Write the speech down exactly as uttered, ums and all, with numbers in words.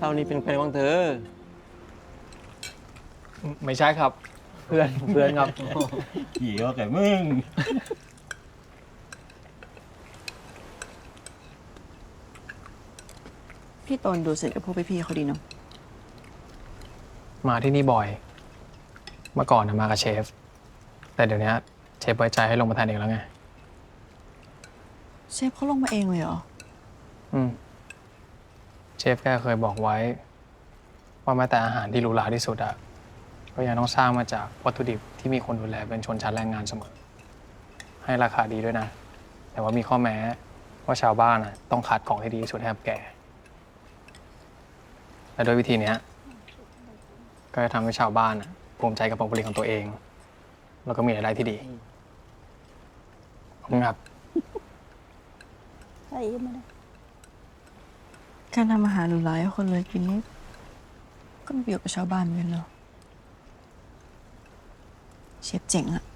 เรานี่เป็นแฟนของเธอไม่ใช่ครับ เพื่อนเพื่อนครับขี่ว่าแกมึงพี่ตนดูสนิทกับพวกพี่ๆเขาดีเนาะมาที่นี่บ่อย เมื่อก่อนนะมากับเชฟ แต่เดี๋ยวนี้เชฟไว้ใจให้ลงมาแทนเองแล้วไงเชฟเขาลงมาเองเลยเหรออืมเชฟแกเคยบอกไว้ ว่าแม้แต่อาหารที่หรูหราที่สุดอะก็ยังต้องสร้างมาจากวัตถุดิบที่มีคนดูแลเป็นชนชั้นแรงงานเสมอ ให้ราคาดีด้วยนะ แต่ว่ามีข้อแม้ว่าชาวบ้านอะต้องคัดของที่ดีที่สุดให้กับแกและด้วยวิธีเนี้ยก็จะทำให้ชาวบ้านอะภูมิใจกับผลผลิตของตัวเอง แล้วก็มีรายได้ที่ดีขอบคุณครับใส่มาเลยการทำอาหารหรูหราให้คนรวยกินนี่ก็มีประโยชน์กับชาวบ้านเหมือนกันเนาะเชฟเจ๋งอะ